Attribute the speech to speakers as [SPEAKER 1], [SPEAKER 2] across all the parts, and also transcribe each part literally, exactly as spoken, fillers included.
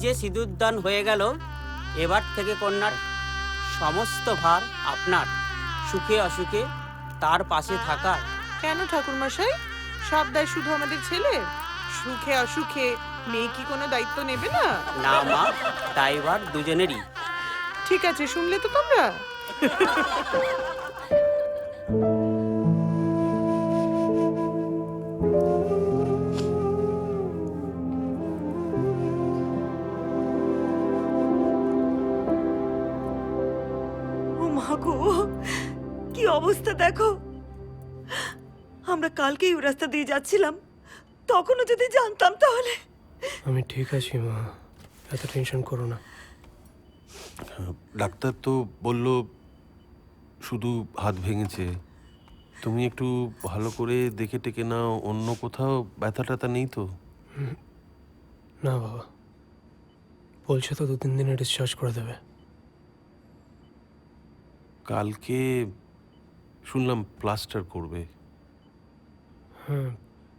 [SPEAKER 1] যে সিঁদুরদান হয়ে গেল, এবার থেকে কন্যার সমস্ত ভার আপনার। সুখে অসুখে তার পাশে থাকার।
[SPEAKER 2] কেন ঠাকুরমশাই, সব দায় শুধু আমাদের ছেলে? সুখে অসুখে মেয়ে কি কোনো দায়িত্ব নেবে না?
[SPEAKER 1] না মা, দায়ভার দুজনেরই।
[SPEAKER 2] ঠিক আছে, শুনলে তো তোমরা।
[SPEAKER 3] ও মা গো, কি অবস্থা দেখো। আমরা কালকেই ওই রাস্তা দিয়ে যাচ্ছিলাম, তখনও যদি জানতাম তাহলে।
[SPEAKER 4] আমি ঠিক আছি মা, এত টেনশন করো না।
[SPEAKER 5] ডাক্তার তো বলল শুধু হাত ভেঙেছে। তুমি একটু ভালো করে দেখে টেকে নাও, অন্য কোথাও ব্যথা ট্যাথা নেই তো?
[SPEAKER 4] না বাবা, বলছে তো দু তিন দিনে ডিসচার্জ করে দেবে।
[SPEAKER 5] কালকে শুনলাম প্লাস্টার করবে।
[SPEAKER 4] হ্যাঁ,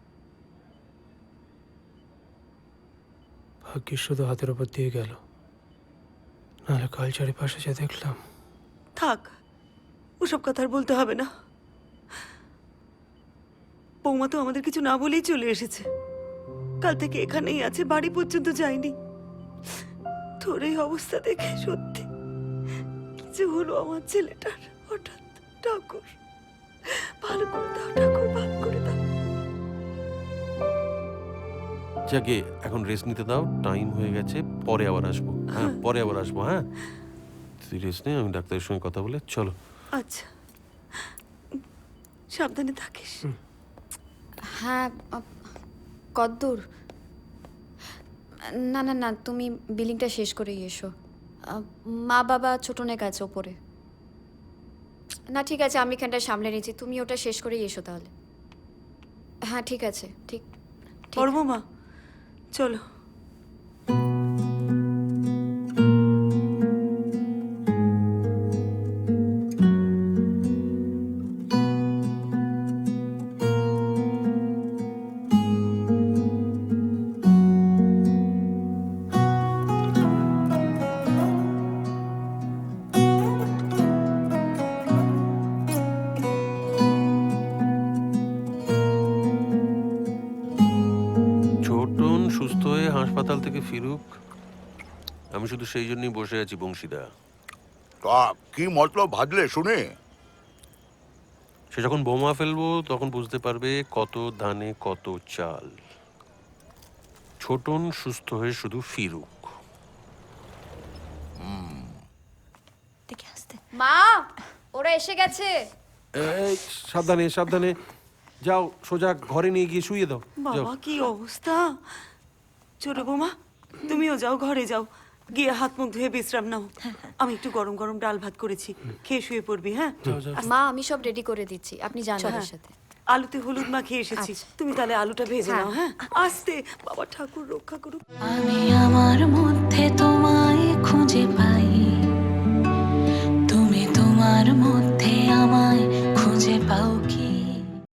[SPEAKER 4] ভাগ্যিস শুধু হাতের ওপর দিয়ে গেল, নাহলে কাল চারিপাশে যে দেখলাম।
[SPEAKER 3] থাক, ওসব কথা আর বলতে হবে না। বৌমা তো আমাদের কিছু না বলেই চলে এসেছে। কাল থেকে এখানেই আছে, বাড়ি পর্যন্ত যায়নি। তোর এই অবস্থা দেখে সত্যি কিছু হলো আমার ছেলেটার হঠাৎ। ঠাকুর ভালো করে দাও, ঠাকুর ভালো করে দাও।
[SPEAKER 5] যাকে এখন রেস্ট নিতে দাও, টাইম হয়ে গেছে, পরে আবার আসবো। হ্যাঁ, পরে আবার আসবো। হ্যাঁ, তুই রেস্ট নে, আমি ডাক্তারের সঙ্গে কথা বলে। চলো।
[SPEAKER 3] আচ্ছা, সাবধানে থাকিস।
[SPEAKER 6] হ্যাঁ, কদ্দূর? না না না, তুমি বিলিংটা শেষ করেই এসো। আহ, মা বাবা ছোটনের কাছে ওপরে। না ঠিক আছে, আমি এখানটা সামলে নিচ্ছি, তুমি ওটা শেষ করেই এসো তাহলে। হ্যাঁ ঠিক আছে, ঠিক ঠিক।
[SPEAKER 3] বড় বৌমা চলো।
[SPEAKER 5] ছোটন সুস্থ হয়ে হাসপাতাল থেকে ফিরুক, আমি শুধু সেই জন্যই বসে আছি বংশীদা।
[SPEAKER 7] তা কি মতলব ভাজলে শুনে?
[SPEAKER 5] সে যখন বোমা ফেলবো তখন বুঝতে পারবে কত ধানে কত চাল। ছোটন সুস্থ হয়ে শুধু ফিরুক।
[SPEAKER 6] মা, ওরা এসে গেছে।
[SPEAKER 5] এই সাবধানে সাবধানে যাও, সোজা ঘরে নিয়ে গিয়ে শুয়ে দাও। যাও।
[SPEAKER 3] বাবা কি অবস্থা। ছোট বৌমা তুমিও যাও, ঘরে যাও, গিয়ে হাত মুখ ধুয়ে বিশ্রাম নাও। আমি একটু গরম গরম ডাল ভাত করেছি, খেয়ে শুয়ে পড়বি। হ্যাঁ,
[SPEAKER 6] মা আমি সব রেডি করে দিচ্ছি, আপনি যান
[SPEAKER 3] হ্যাঁ,
[SPEAKER 6] ওদের সাথে।
[SPEAKER 3] আলুতে হলুদ মাখিয়ে এসেছি,
[SPEAKER 6] আচ্ছা।
[SPEAKER 3] তুমি তাহলে আলুটা ভেজে
[SPEAKER 6] হ্যাঁ।
[SPEAKER 3] নাও। হ্যাঁ, আস্তে, বাবা ঠাকুর রক্ষা করুক।
[SPEAKER 8] আমি আমার মধ্যে তোমায় খুঁজে পাই, তুমি তোমার মধ্যে